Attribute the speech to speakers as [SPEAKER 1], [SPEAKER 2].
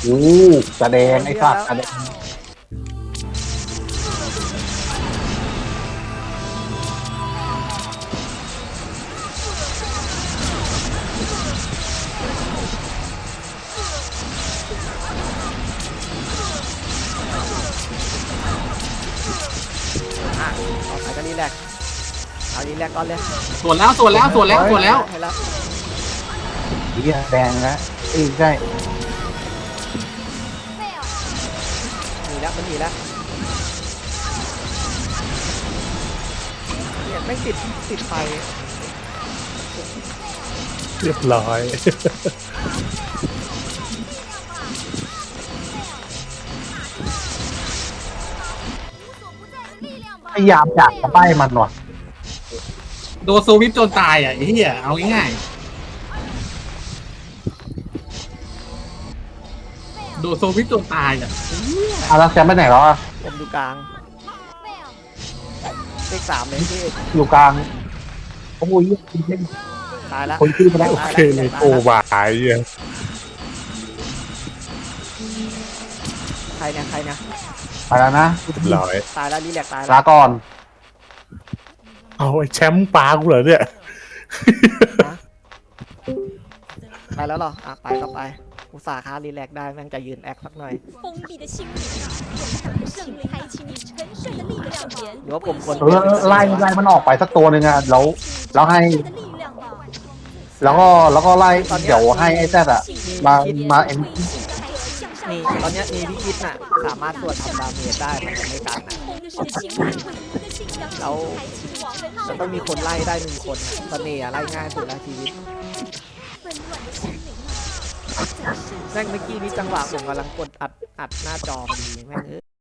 [SPEAKER 1] อู้แสดงไอ้สัตว์แสดง
[SPEAKER 2] อ่ะเอาใส่กันรีแลกซ์เอารีแลกซ์ก่อนเลย
[SPEAKER 3] สวนแล้วสวนแล้วสวนแล้วสวนแล้ว
[SPEAKER 2] ให้แล้ว
[SPEAKER 1] เหี้ยแดงนะเอ้ยใช่
[SPEAKER 2] หนีแล้วมันหนีแล้วเนี่ยไม่ติดไฟ
[SPEAKER 4] เรียบร้อย
[SPEAKER 1] พยายามอยากจะใบ้มันว่ะ
[SPEAKER 3] โดนโซวิปจนตายอ่ะไอ้เหี้ยเอาง่ายๆโดนโซวิปจนตายอ่ะ
[SPEAKER 1] เอาแล้วแชมป์ไปไหนแล้วอ่ะ
[SPEAKER 2] ผมอยู่กลางเลข3เลยพี่
[SPEAKER 1] อยู่กลางโอ้ยเล่น
[SPEAKER 2] ตายแล้ว
[SPEAKER 1] คนชื่อมาได้
[SPEAKER 4] โอเคเลยโกบายอ่ะ
[SPEAKER 2] ใครเนี่ย
[SPEAKER 1] ไปแล้วนะ
[SPEAKER 4] เรียบร้อย
[SPEAKER 2] ตายแล้วรีแลกซ์ตาย
[SPEAKER 1] ลา
[SPEAKER 2] แล้ว
[SPEAKER 1] ก่อน
[SPEAKER 4] เอาไอ้แชมป์ปลากูเหรอเนี่ย
[SPEAKER 2] ไปแล้วเหรออ่ะไปก็ไปอุตส่าห์ค้ารีแลกซ์ได้แม่งจะยืนแอคสักหน่อย
[SPEAKER 5] 锋利的心灵，正开启你沉睡的力量吧。
[SPEAKER 2] หรือว่าผมคน
[SPEAKER 1] ไล่มันออกไปสักตัวหนึ่งอ่ะแล้วให้
[SPEAKER 5] 的力量吧。
[SPEAKER 1] แล้วก็ไล่เดี๋ยวให้ไอ้แซดอ่ะมาเอ็น
[SPEAKER 2] นี่ตอนเนี้ยมีพี่คิดน่ะสามารถตรวจทำดาเมจได้มันยังไม่กันนะ
[SPEAKER 5] 风的是心灵，我的信仰
[SPEAKER 2] 然后
[SPEAKER 5] 开启王的
[SPEAKER 2] จะต้องมีคนไล่ได้1 คนน่ะเสน่ห์อะไล่ง่ายสุดแล้วชีวิต
[SPEAKER 5] 纷乱的心灵啊，在深
[SPEAKER 2] แม่งเมื่อกี้นี้จังหวะผมกำลังกดอัดหน้าจอพอดีแม่ง